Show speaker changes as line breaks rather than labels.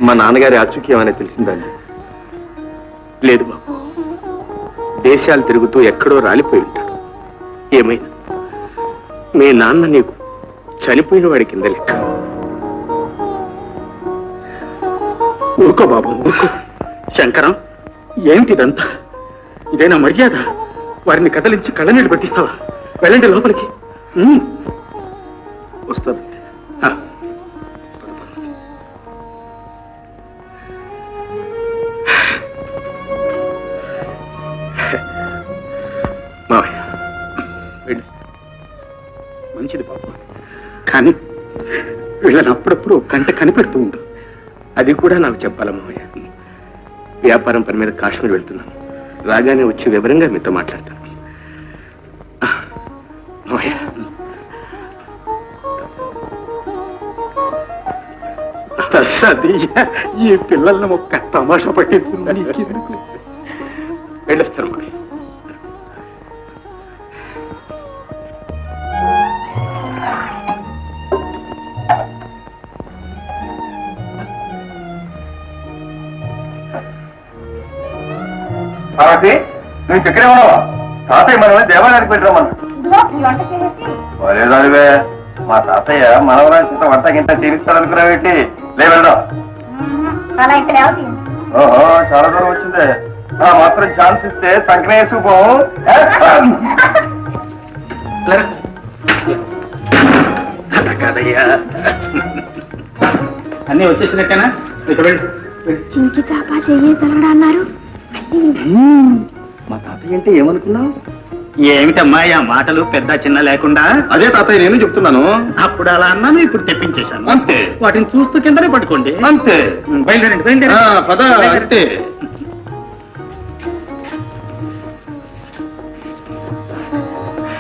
మా నాన్నగారి ఆచూక్యమని తెలిసిందండి. లేదు బాబు, దేశాలు తిరుగుతూ ఎక్కడో రాలిపోయి ఉంటాడు. ఏమైనా మీ నాన్న నీకు చనిపోయిన వాడి కింద లెక్క. ఊరుకో బాబు, ఊరుకో. శంకరం, ఏమిటిదంతా? ఇదేనా మర్యాద? వారిని కదలించి కళ్ళనీళ్ళు పెట్టిస్తావా? వెళ్ళండి లోపలికి. వస్తానండి. మావయ్య, మంచిది బాబు, కానీ వీళ్ళని అప్పుడప్పుడు కంట కనిపెడుతూ ఉండు. అది కూడా నాకు చెప్పాలా మావయ్య? వ్యాపారం పని మీద కాశ్మీర్ వెళ్తున్నాను. రాగానే వచ్చి వివరంగా మీతో మాట్లాడతాను. మావయ్య, ఈ పిల్లల్ని ఒక్క తమాషా పట్టించిందని వెళ్ళొస్తాను మావయ్య. నువ్వు ఇక్కడే ఉన్నావా? తాతయ్య మనల్ని దేవాలయానికి పెట్టరామన్నావే. మా తాతయ్య మనవరాంత వంట గింట తీరుస్తాడనుకున్నావేంటి? లేవెళ్దాం. ఓహో, చాలా దూరం వచ్చిందే. మాత్రం ఛాన్స్ ఇస్తే సంకనే వేసుకుపోవు. కాదయ్యా, అన్నీ వచ్చేసినట్టేనా?
చింకి చాపా చెయ్యి తలగడా అన్నారు.
మా తాతయ్య అంటే ఏమనుకున్నావు?
ఏమిటమ్మా ఆ మాటలు పెద్ద చిన్న లేకుండా?
అదే తాతయ్య నేను చెప్తున్నాను.
అప్పుడు అలా అన్నాను, ఇప్పుడు తెప్పించేశాను.
అంతే.
వాటిని చూస్తూ కిందనే పట్టుకోండి.
అంతే.
బయలుదేరండి, బయలుదేరండి.
పద.